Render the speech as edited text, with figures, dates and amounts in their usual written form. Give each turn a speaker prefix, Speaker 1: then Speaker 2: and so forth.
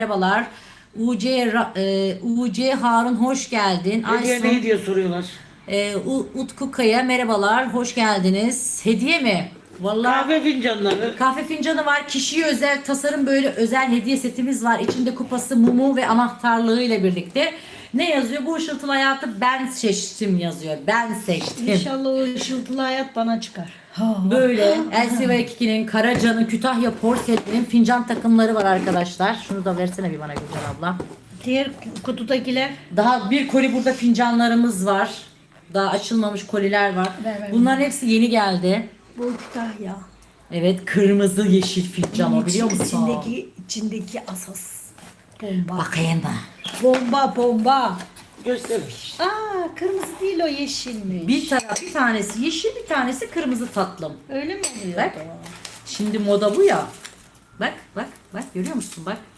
Speaker 1: Merhabalar. UC Harun hoş geldin.
Speaker 2: Hediye ne diye soruyorlar.
Speaker 1: Utku Kaya merhabalar. Hoş geldiniz. Hediye mi? Vallahi
Speaker 2: Kahve fincanları.
Speaker 1: kahve fincanı var. Kişiye özel tasarım böyle özel hediye setimiz var. İçinde kupası, mumu ve anahtarlığı ile birlikte. Ne yazıyor? Bu ışıltılı hayatı ben seçtim yazıyor. Ben seçtim.
Speaker 3: İnşallah o ışıltılı hayat bana çıkar.
Speaker 1: Böyle LCV2'nin, Karaca'nın, Kütahya Porselen'in fincan takımları var arkadaşlar. Şunu da versene bir bana Gülcan abla.
Speaker 3: Diğer kutudakiler
Speaker 1: Daha bir koli burada fincanlarımız var. Daha açılmamış koliler var.
Speaker 3: Ver.
Speaker 1: Bunların hepsi yeni geldi.
Speaker 3: bu Kütahya.
Speaker 1: Evet, kırmızı yeşil fincan o biliyor musun?
Speaker 3: İçindeki asas. Bomba.
Speaker 1: Bakayım da.
Speaker 3: Bomba.
Speaker 2: Göstermiş.
Speaker 3: Aa, kırmızı değil o yeşilmiş.
Speaker 1: Bir tanesi yeşil, bir tanesi kırmızı tatlım.
Speaker 3: Öyle mi oluyor?
Speaker 1: Bak. Şimdi moda bu ya. Bak görüyor musun bak.